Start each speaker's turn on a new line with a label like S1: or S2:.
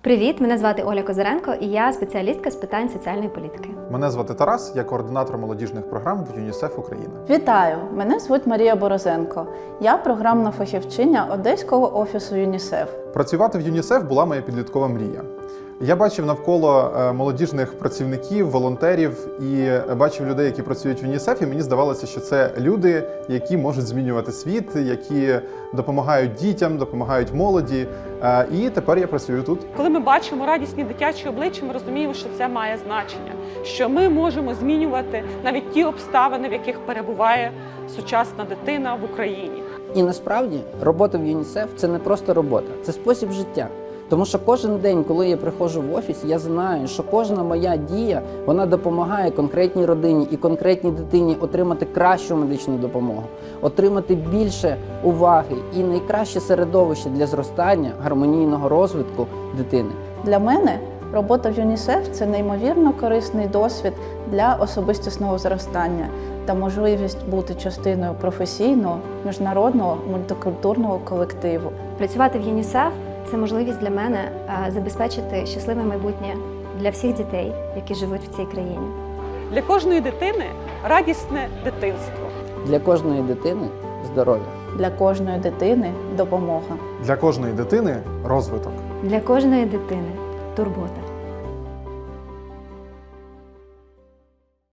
S1: Привіт, мене звати Оля Козиренко і я спеціалістка з питань соціальної політики.
S2: Мене звати Тарас, я координатор молодіжних програм в ЮНІСЕФ Україна.
S3: Вітаю! Мене звуть Марія Борозенко. Я програмна фахівчиня Одеського офісу ЮНІСЕФ.
S2: Працювати в ЮНІСЕФ була моя підліткова мрія. Я бачив навколо молодіжних працівників, волонтерів і бачив людей, які працюють в ЮНІСЕФ, і мені здавалося, що це люди, які можуть змінювати світ, які допомагають дітям, допомагають молоді. І тепер я працюю тут.
S4: Коли ми бачимо радісні дитячі обличчя, ми розуміємо, що це має значення, що ми можемо змінювати навіть ті обставини, в яких перебуває сучасна дитина в Україні.
S5: І насправді робота в ЮНІСЕФ – це не просто робота, це спосіб життя. Тому що кожен день, коли я приходжу в офіс, я знаю, що кожна моя дія, вона допомагає конкретній родині і конкретній дитині отримати кращу медичну допомогу, отримати більше уваги і найкраще середовище для зростання, гармонійного розвитку дитини.
S3: Для мене робота в ЮНІСЕФ – це неймовірно корисний досвід для особистісного зростання та можливість бути частиною професійного, міжнародного, мультикультурного колективу.
S1: Працювати в ЮНІСЕФ – це можливість для мене забезпечити щасливе майбутнє для всіх дітей, які живуть в цій країні.
S4: Для кожної дитини радісне дитинство.
S5: Для кожної дитини здоров'я.
S3: Для кожної дитини – допомога.
S2: Для кожної дитини розвиток.
S1: Для кожної дитини – турбота.